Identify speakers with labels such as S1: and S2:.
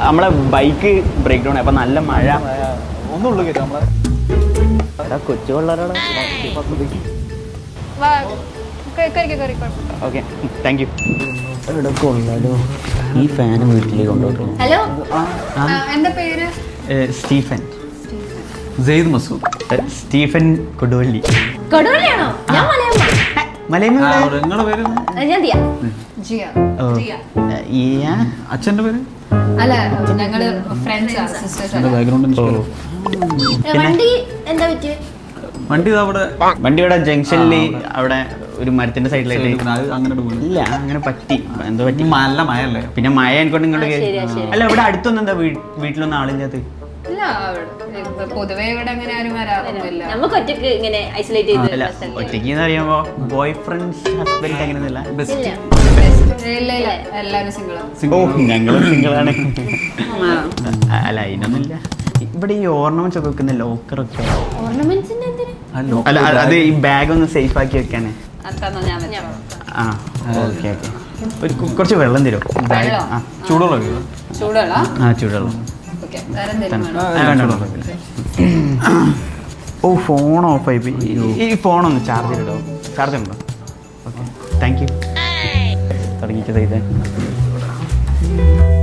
S1: നമ്മളെ bike break down അപ്പം നല്ല മഴ
S2: ഒന്നുള്ളൂ കേട്ടോ നമ്മളെ
S1: കൊച്ചു പിള്ളേരോട് ഓക്കെ താങ്ക് യു. ഇവിടെ കൊള്ളാലോ ഈ ഫാന് വീട്ടിലേക്ക് കൊണ്ടുപോകും.
S3: ഹലോ, എന്താ പേര്?
S1: സ്റ്റീഫൻ.
S2: സെയ്ദ് മസൂദ്.
S1: സ്റ്റീഫൻ കൊടുവള്ളി.
S3: കൊടുവള്ളിയാണോ? ഞാൻ മലയമ്മ.
S2: നിങ്ങളുടെ പേര്?
S3: ഞാൻ ദിയ.
S2: അച്ഛൻ്റെ പേര്?
S3: അല്ല, ഞങ്ങള് ഫ്രണ്ട്സ് ആണ്, സിസ്റ്റേഴ്സ് ആണ്.
S2: ബാക്ക്ഗ്രൗണ്ട്
S3: വണ്ടി എന്താ പറ്റിയത്?
S2: വണ്ടി
S1: വണ്ടി ഇവിടെ ജംഗ്ഷനിൽ അവിടെ ഒരു മരത്തിന്റെ സൈഡിലായിട്ട്
S2: അങ്ങനെ
S1: ഇല്ല, അങ്ങനെ പറ്റി എന്തോ പറ്റി.
S2: നല്ല മഴയല്ലേ,
S1: പിന്നെ മഴ എനിക്കൊണ്ട് ഇങ്ങോട്ട് കയറി. അല്ല ഇവിടെ അടുത്തൊന്നും എന്താ വീട്ടിലൊന്നും ആളില്ലാത്ത?
S3: ഇല്ല, പൊതുവെ ഇവിടെ അങ്ങനെ ആരും വരാറൊന്നുമില്ല.
S4: നമുക്ക് ഒറ്റക്ക് ഇങ്ങനെ ഐസൊലേറ്റ് ചെയ്ത്
S1: ഒറ്റയ്ക്ക് എന്ന് പറയുമ്പോ ബോയ് ഫ്രണ്ട്സ് ഹസ്ബൻഡ് അങ്ങനെയൊന്നുമില്ല.
S3: എല്ലാരും സിംഗിളാണ്.
S1: ഓ ഞങ്ങളും സിംഗിളാണ്. അല്ല അതിനൊന്നുമില്ല. ഇവിടെ ഈ ഓർണമെന്റ്സ് ഒക്കെ വെക്കുന്ന ലോക്കറൊക്കെ
S3: ഓർണമെന്റ്സിന്റെ എന്തിനാ?
S1: അല്ല അത് ഈ ബാഗ് ഒന്ന് സേഫ് ആക്കി വെക്കാനേ. ആ ഓക്കെ ഓക്കെ. ഒരു കുറച്ച് വെള്ളം തരുമോ?
S2: ചൂടുള്ള
S3: ചൂടുള്ള
S1: ചൂടുള്ള.
S3: വേറെ എന്തെങ്കിലും
S1: ഓ ഫോൺ ഓഫായി. ഈ ഫോണൊന്ന് ചാർജ് ചെയ്തിടോ? ചാർജ് ഉണ്ടോ? Okay thank you. തുടങ്ങിച്ചത് ഇത്